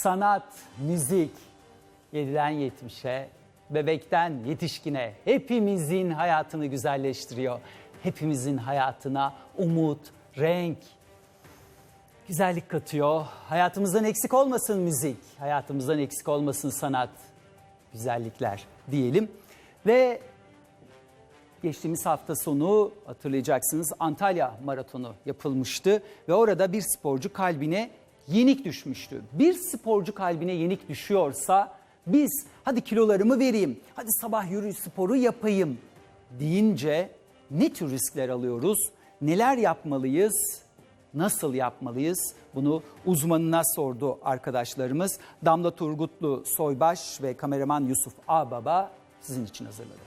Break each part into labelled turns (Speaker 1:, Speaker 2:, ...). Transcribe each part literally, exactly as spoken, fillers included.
Speaker 1: sanat, müzik yediden yetmişe, bebekten yetişkine hepimizin hayatını güzelleştiriyor. Hepimizin hayatına umut, renk, güzellik katıyor. Hayatımızdan eksik olmasın müzik, hayatımızdan eksik olmasın sanat, güzellikler diyelim. Ve geçtiğimiz hafta sonu hatırlayacaksınız Antalya Maratonu yapılmıştı ve orada bir sporcu kalbine yenik düşmüştü. Bir sporcu kalbine yenik düşüyorsa biz hadi kilolarımı vereyim, hadi sabah yürüyüş sporu yapayım deyince ne tür riskler alıyoruz, neler yapmalıyız, nasıl yapmalıyız? Bunu uzmanına sordu arkadaşlarımız. Damla Turgutlu Soybaş ve kameraman Yusuf Ağbaba sizin için hazırladı.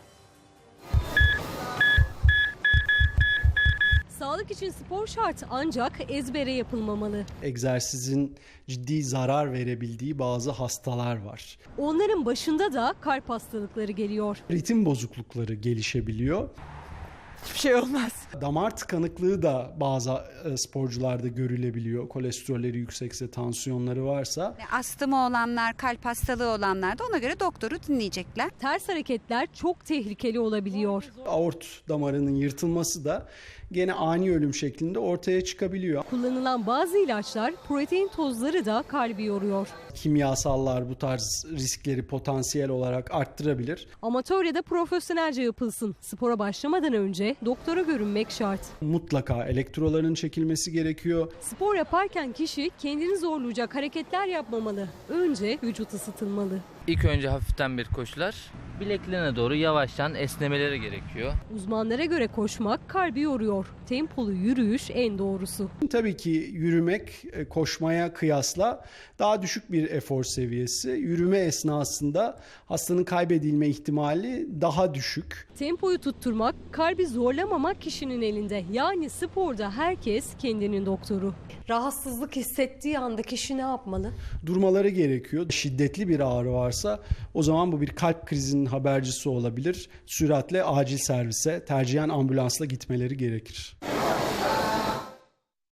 Speaker 2: Sağlık için spor şart ancak ezbere yapılmamalı.
Speaker 3: Egzersizin ciddi zarar verebildiği bazı hastalar var.
Speaker 2: Onların başında da kalp hastalıkları geliyor.
Speaker 3: Ritim bozuklukları gelişebiliyor.
Speaker 4: Hiçbir şey olmaz.
Speaker 3: Damar tıkanıklığı da bazı e, sporcularda görülebiliyor. Kolesterolleri yüksekse, tansiyonları varsa.
Speaker 5: Astımı olanlar, kalp hastalığı olanlar da ona göre doktoru dinleyecekler.
Speaker 2: Ters hareketler çok tehlikeli olabiliyor.
Speaker 3: Aort damarının yırtılması da gene ani ölüm şeklinde ortaya çıkabiliyor.
Speaker 2: Kullanılan bazı ilaçlar, protein tozları da kalbi yoruyor.
Speaker 3: Kimyasallar bu tarz riskleri potansiyel olarak arttırabilir.
Speaker 2: Amatör ya da profesyonelce yapılsın. Spora başlamadan önce doktora görünmek şart.
Speaker 3: Mutlaka elektroların çekilmesi gerekiyor.
Speaker 2: Spor yaparken kişi kendini zorlayacak hareketler yapmamalı. Önce vücut ısıtılmalı.
Speaker 4: İlk önce hafiften bir koşular, bileklerine doğru yavaştan esnemeleri gerekiyor.
Speaker 2: Uzmanlara göre koşmak kalbi yoruyor. Tempolu yürüyüş en doğrusu.
Speaker 3: Tabii ki yürümek e, koşmaya kıyasla daha düşük bir efor seviyesi. Yürüme esnasında hastanın kaybedilme ihtimali daha düşük.
Speaker 2: Tempoyu tutturmak, kalbi zorlamamak kişinin elinde. Yani sporda herkes kendinin doktoru. Rahatsızlık hissettiği anda kişi ne yapmalı?
Speaker 3: Durmaları gerekiyor. Şiddetli bir ağrı varsa o zaman bu bir kalp krizinin habercisi olabilir. Süratle acil servise, tercihen ambulansla gitmeleri gerekir.